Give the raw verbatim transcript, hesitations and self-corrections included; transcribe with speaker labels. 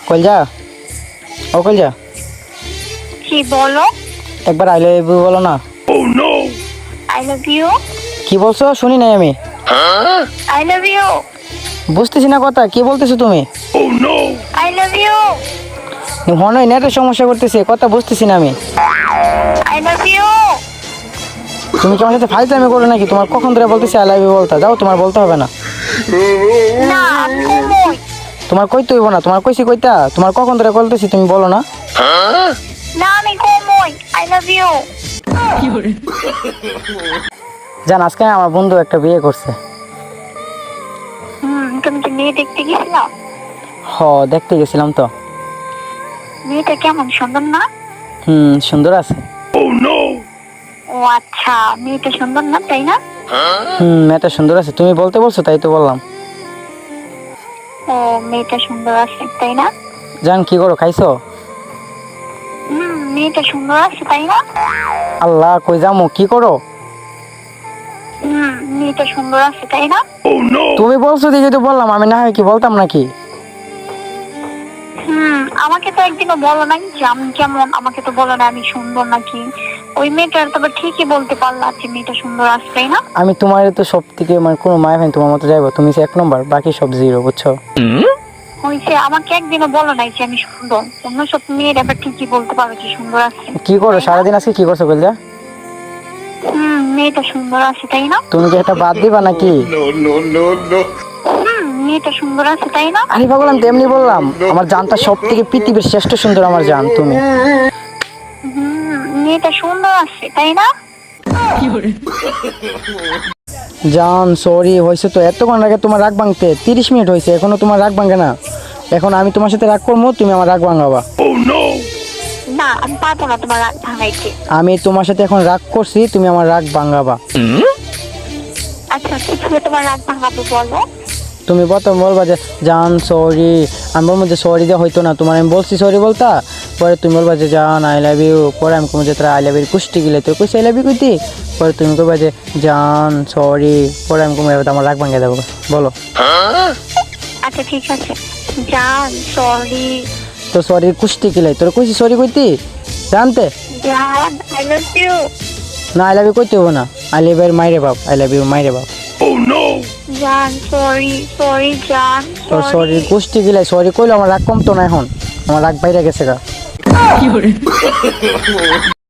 Speaker 1: কলজা, ও কলজা,
Speaker 2: কি বলো?
Speaker 1: একবার আই লাভ ইউ বলো না।
Speaker 2: I love you.
Speaker 1: কি বলছো শুনি নাই আমি।
Speaker 2: I love you.
Speaker 1: বুঝতেছি না কথা, কি বলতেছো তুমি?
Speaker 2: I love you.
Speaker 1: মনে হয় নেটের সমস্যা করতেছে, কথা বুঝতেছি না আমি।
Speaker 2: I love you.
Speaker 1: তুমি কি আমার সাথে ফাইজলামি করো নাকি? তোমার কখন ধরে বলতেছি আই লাভ ইউ বলতা, যাও তোমার বলতে হবে না।
Speaker 2: না আমি কই?
Speaker 1: তোমার কইতে হইব না, তোমার কইছি কইতা, তোমার কখন ধরে বলতেছি তুমি বলো না।
Speaker 2: না আমি কই? I love you.
Speaker 1: জান আজকে আমার বন্ধু একটা বিয়ে করছে।
Speaker 2: হুম, তুমি কি মেয়ে দেখতে গেছিলা?
Speaker 1: হ দেখতে গেছিলাম তো।
Speaker 2: মেয়েটা কেমন, সুন্দর না?
Speaker 1: হুম সুন্দর আছে।
Speaker 2: ও আচ্ছা, মেয়েটা সুন্দর না তাই না?
Speaker 1: হুম মেয়েটা সুন্দর আছে, তুমি বলতে বলছো তাই তো বললাম।
Speaker 2: ও মেয়েটা সুন্দর আছে তাই না?
Speaker 1: জান কি করো, খাইছো?
Speaker 2: হুম, মেয়েটা সুন্দর আছে তাই না?
Speaker 1: আল্লাহ কই যামু, কি করো?
Speaker 2: হুম, মেয়েটা সুন্দর আছে তাই না?
Speaker 1: তুমি বলছো দেখে তো বললাম, আমি না হয় কি বলতাম নাকি?
Speaker 2: হুম, আমাকে তো একদিনও বলো নাই যে আমি কেমন, আমাকে তো বলো না আমি সুন্দর নাকি। ওই মেয়েটার তবে ঠিকই বলতে পারলা যে মেয়েটা সুন্দর আছে তাই না?
Speaker 1: আমি তোমার তো সব থেকে মানে কোনো মায় ভাই তোমার মতো যাইবো, তুমি এক নম্বর, বাকি সব জিরো, বুঝছো?
Speaker 2: হয়েছে, আমাকে একদিনও বলো নাই যে আমি সুন্দর। অন্য সব মেয়ের এবার ঠিকই বলতে পারো যে সুন্দর আছে।
Speaker 1: কি করো সারাদিন, আজকে কি করছো বললে?
Speaker 2: হুম, মেয়েটা সুন্দর আছে তাই না?
Speaker 1: তুমি কি এটা বাদ দিবা নাকি?
Speaker 2: হুম, মেয়েটা সুন্দর আছে তাই না?
Speaker 1: আরে পাগল, আমি তেমনি বললাম, আমার জানটা সব থেকে পৃথিবীর শ্রেষ্ঠ সুন্দর আমার জান তুমি।
Speaker 2: হুম, মেয়েটা সুন্দর আছে তাই না?
Speaker 1: জান সরি, হয়েছে তো, এতক্ষণ আগে তোমার রাগ ভাঙতে তিরিশ মিনিট হয়েছে, এখনো তোমার রাগ ভাঙে না। এখন আমি তোমার সাথে রাগ করবো, তুমি আমার রাগ ভাঙাবা।
Speaker 2: না আমি পারবো না তোমার রাগ ভাঙাইতে।
Speaker 1: আমি তোমার সাথে এখন রাগ করছি, তুমি আমার রাগ ভাঙাবা।
Speaker 2: আচ্ছা কিভাবে তোমার রাগ ভাঙাবো বলো?
Speaker 1: তুমি প্রথম বলবা যে জান সরি, আমি বলবো যে সরি দিয়ে হইতো না, তোমার আমি বলছি সরি বলতা, পরে তুমি বলবা যে জান আই লাভ ইউ, পরে আমি কমো যে তোরা আই লাভ ইউ কুষ্টি গেলে তোর কুষ্টি আই লাভ ইউ কইতি, পরে তুমি কইবা যে জান সরি, পরে আমি কমো আমার রাগ ভাঙিয়ে দেবো, বলো।
Speaker 2: আচ্ছা ঠিক আছে, জান সরি।
Speaker 1: তো সরি কুষ্টি গেলে তোর কইছি সরি কইতি জানতে।
Speaker 2: জান আই লাভ ইউ।
Speaker 1: না আই লাভ ইউ কইতে হবো না, আই লাভ ইউ মাইরে বাপ, আই লাভ ইউ মাইরে বাপ।
Speaker 2: জান সরি সরি জান
Speaker 1: তোর সরি
Speaker 2: সরি।
Speaker 1: কুষ্টি গেলে সরি কইলো আমার রাগ কমতো না, এখন আমার রাগ বাইরে গেছে গা।